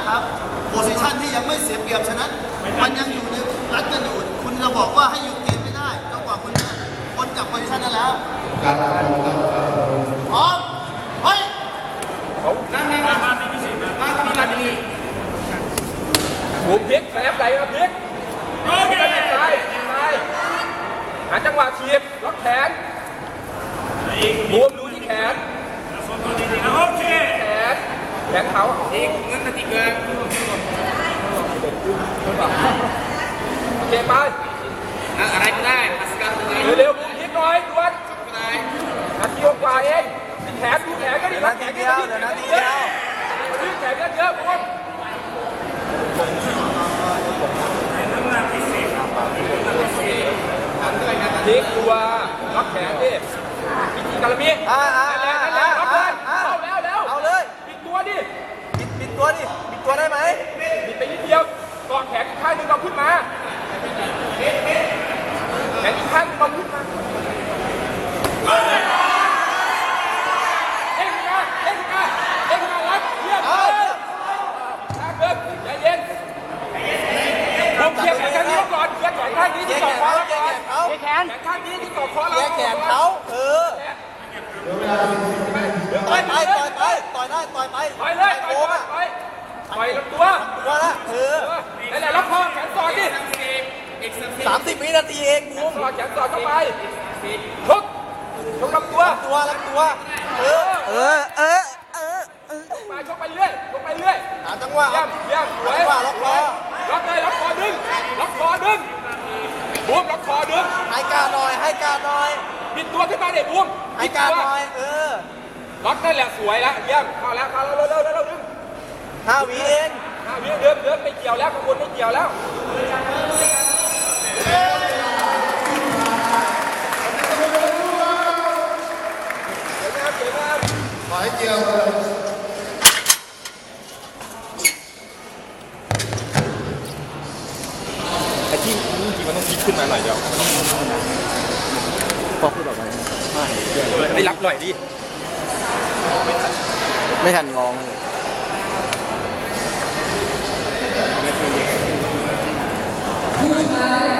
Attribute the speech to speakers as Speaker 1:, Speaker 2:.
Speaker 1: นะครับโพซิชันที่ยังไม่เสียเปรียบฉะนั้นมันยังอยู่ในรัดกันอยู่คุณจะบอกว่าให้หยุดเกมไม่ได้จนกว่าคุณจะพ้นจากโพซิชันนั้นแล้วพร้อมเฮ้ย
Speaker 2: นั่นมาที่พิเศษมาที่นาทีหูพลิกแสบไหลมาพลิกโอเคตายหาจังหวะเฉียบล็อกแขนบวมดูที่แขนโอเคแขนเขาอีกงั้นนาทีเกินโอเคไปอะไรก็ได้เร็วๆนิดหน่อยด่วนนาทีกว่าเองแขนดูแขนก็ดีนะแขนเดียวเดี๋ยวนาทีเดียวดูแขนเยอะๆบวมพลิกตัวล็อกแขนดิพิธีการมีแล้วล็อกเลยเอาเลยปิดตัวดิปิดตัวได้ไหมปิดไปนิดเดียวกอดแขนอีกข้างนึงเราขึ้นมาแขนอีกข้างนึงเราขึ้นมาเอ็งมารับเยี่ยมเลยเดินใจเย็นผมเกี่ยวแขนข้างนี้ก่อนเกี่ยวแขนข้างนี้ที่ต่อคอเราก่อนแขนข้างนี้ที่ต่อคอเราแขนเขาต่อยได้ต่อยลำตัวละนั่นแหละล็อกคอแขนสอดดิ30 วินาทีเองบูมแขนสอดเข้าไปทุกลำตัวมาชกไปเรื่อยหาจังหวะย่ำสวยล็อกคอดึงบูมล็อกคอดึงให้การหน่อยปิดตัวขึ้นมาเด็กบูมให้การหน่อยล็อกนั่นแหละสวยแล้วย่ำเข้าแล้วเร็วดึง5 วิเองเดินไม่เกี่ยวแล้วขบวนไม่เกี่ยวแล้ว
Speaker 1: ขอให้เกี่ยว
Speaker 2: ไอ้ที่มันต้องพลิกขึ้นมาหน่อยเดียวพอพูดออกมาไม่รับหน่อยดิ
Speaker 3: ไม่ทันงอง
Speaker 1: ผู้ชาย